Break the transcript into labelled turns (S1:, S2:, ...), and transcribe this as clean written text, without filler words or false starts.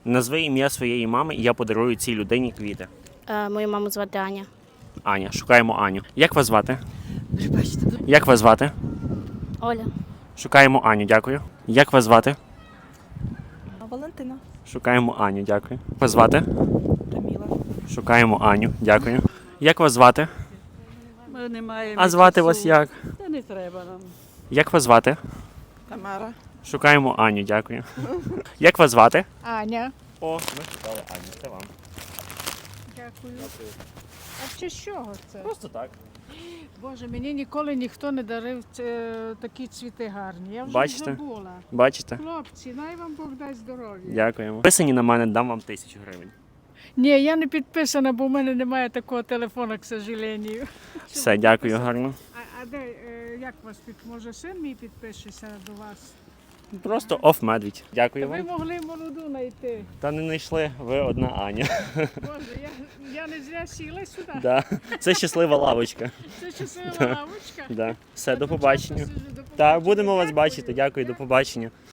S1: Назви ім'я своєї мами, і я подарую цій людині квіти.
S2: Мою маму звати Аня.
S1: Аня, шукаємо Аню. Як вас звати?
S3: Пробачте,
S1: Як вас звати?
S2: Оля.
S1: Шукаємо Аню, дякую. Як вас звати?
S3: Валентина.
S1: Шукаємо Аню, дякую. Як вас звати?
S3: Таміла.
S1: Шукаємо Аню, дякую. Як вас звати?
S3: Ми не маємо.
S1: А звати
S3: часу.
S1: вас як?
S3: Та не треба нам.
S1: Як вас звати?
S3: Тамара.
S1: Шукаємо Аню, дякую. Як вас звати?
S4: Аня.
S1: О, ми шукали Аню, це вам.
S4: Дякую. А чи з чого це?
S1: Просто так.
S4: Боже, мені ніколи ніхто не дарив такі цвіти гарні. Я вже
S1: Бачите?
S4: забула.
S1: Бачите?
S4: Хлопці, най вам Бог дасть здоров'я.
S1: Дякуємо. Підписані на мене, дам вам 1000 гривень.
S4: Ні, я не підписана, бо в мене немає такого телефону, к сожалению.
S1: Все, дякую, гарно.
S4: А де, як вас може син мій підпишеться до вас?
S1: Просто оф-медвідь. Дякую
S4: Ви
S1: вам.
S4: могли молоду знайти.
S1: Та не знайшли, ви одна Аня.
S4: Боже, я не зря сіла сюди.
S1: Да. Це щаслива лавочка.
S4: Це щаслива лавочка.
S1: Да. Все,
S4: Так,
S1: до
S4: ну,
S1: побачення.
S4: часто сиджу, до
S1: Так,
S4: побачення.
S1: будемо вас
S4: Дякую.
S1: бачити. Дякую, до побачення.